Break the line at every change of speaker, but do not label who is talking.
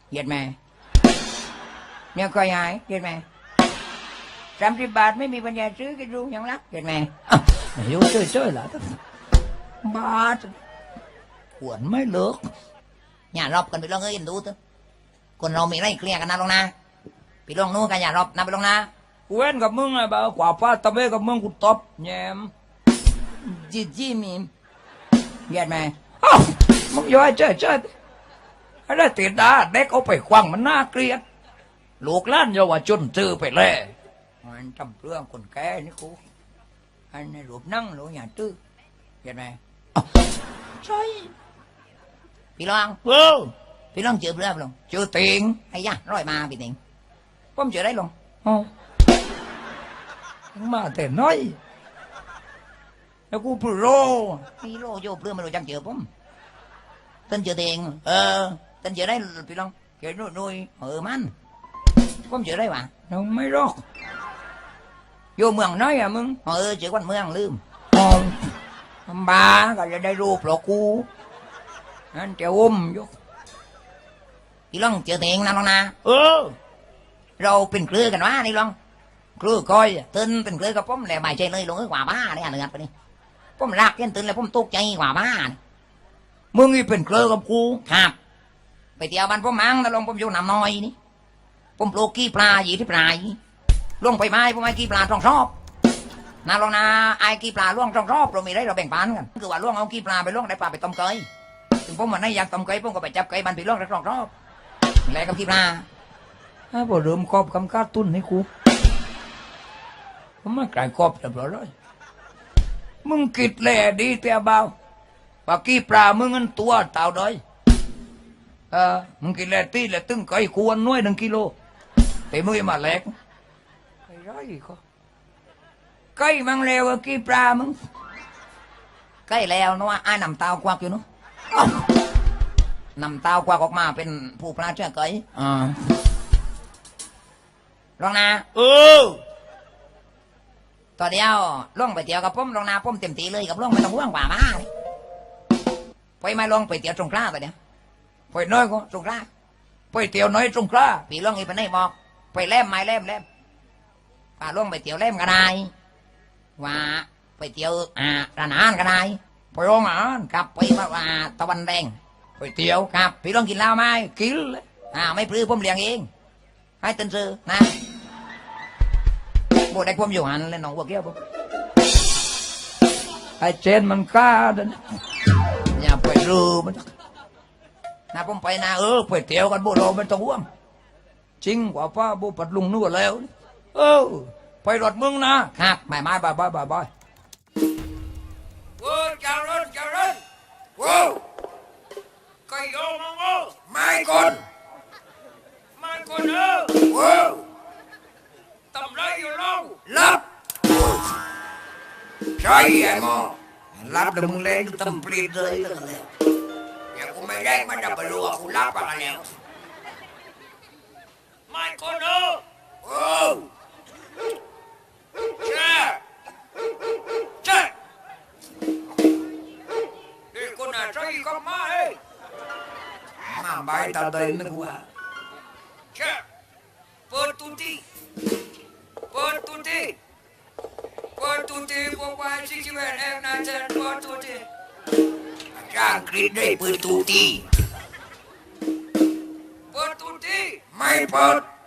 เหยียดแม่เนี่ยก็ยายเหยียดแม่30 บาทไม่มีปัญญาซื้อกินรู้ยังรักเหยียดแม่หิวเจ้ยๆล่ะบาทหวนไม่เลิกอย่ารอบกันไปลองเอ้ยดูเถอะคนเรามีไรเคลียร์กันนะลงนะไปลองนู้นกันอย่ารอบนะไปลงนะกูเว้นกับมึงไงบ่าวกว่าป้าตะเบ้กับมึงกูตบแยมจีมีเหยียดแม่มึงย้อยเจ้ยอะไรติดดาเด็กเอาไปควังมันน่าเกลียดลูกล้านเยาวชนซื้อไปเลยมันจำเรื่องคนแก่นี่กูอันนี้รูปนั่งรูปอย่างตื้อเห็นไหมใช่พี่ลองพี่ลองเจอเรื่องลงเจอติงไอ้ยะร้อยมาพี่ติงผมเจอได้ลงมาแต่น้อยแล้วกูพูดโลพี่โลโยบเรื่องไม่รู้จักเจอผมtânเจอติงtânเจอได้พี่ลองเจอนุยมันผมเจอได้ปะน้องไม่รอกvôเมืองน้อยมึงchỉ quanhเมืองลืมบ้าก็จะได้รูปหรอกกูนั่นจะอยู่พี่ลองเจอเตียงนั่นลองนะเราเป็นเครือกันวะนี่ลองเครือคอยตื่นเป็นเครือกับผมแหละไม่ใช่เลยลงกว่าบ้าเนี่ยเนื้อไปนี่ผมรักยันตื่นแล้วผมตกใจกว่าบ้ามึงนี่เป็นเครือกับกูครับไปเที่ยวบ้านผมมั้งแต่ลองผมอยู่น้ำน้อยนี่ผมปลูกกี้ปลาอยู่ที่ปลายล่วงไปไม้พวกไอ้กี้ปลาต้องชอบนาลองนาไอ้กี้ปลาล่วงต้องชอบเรามีได้เราแบ่งปันกันคือว่าล่วงเอากี้ปลาไปล่วงได้ปลาไปต้มเกยถึงผมวันนี้อยากต้มเกยผมก็ไปจับเกยมันไปล่วงได้ต้องชอบแลกับกี้ปลาพอเริ่มครอบคำการตุ้นให้กูผมไม่กลายครอบเรียบร้อยเลยมึงกิดแหล่ดีเตี้ยเบาปลากี้ปลามึงเงินตัวเต่าด้อยมึงกินแหล่ตีแหล่ตึ้งเกยควรน้อย1 กิโลแต่มึงมาแหลกcây mang leo ở kia praมึงcây leo nó ai nằm tao qua kiểu nó nằm tao quaออกมาเป็นผู้ปลาเชื่อเกยลองนะต่อเดียวล่องไปเที่ยวกับผมลองนาผมเต็มตีเลยกับล่องไม่ต้องห่วงกว่ามาไปไม่ลองไปเที่ยวตรงกล้าไปเนี่ยไปน้อยก็ตรงกล้าไปเที่ยวน้อยตรงกล้าปีล่องอีไปไหนบอกไปแลมไม้แลมป่าล่วงไปเที่ยวเล่มก็ได้ว่าไปเที่ยวร้านอาหารก็ได้ไปโรงอาหารครับไปว่าตะวันแดงไปเที่ยวครับพี่ลองกินเหล้าไหมกินเลยไม่พลื้ผมเลี้ยงเองให้ตื่นซื้อนะโบได้ผมอยู่หันเลยน้องวัวเกี้ยวผมไอ้เจนมันกล้าเดินอย่าไปรู้มันนะผมไปนะไปเที่ยวกันโบโลมันต้องห่วงจริงกว่าป้าโบปัดลุงนู่นแล้วไปรถมึงนะครับไม่บายโว้เจ้ารุ่นว้ก็โยมงไม่คนว้ตำไรอยู่ลงรับใช่ไอ้หมอรับเดี๋ยวมึงเล่นตำปลีเลยแล้วกันแล้วอย่างกูไม่ได้มันจะไปรู้ว่ากูรับอะไรแล้วไม่คนtao đây nó qua per tutti qua chi chi bên em na chân per tutti trang kít đây per tutti mai per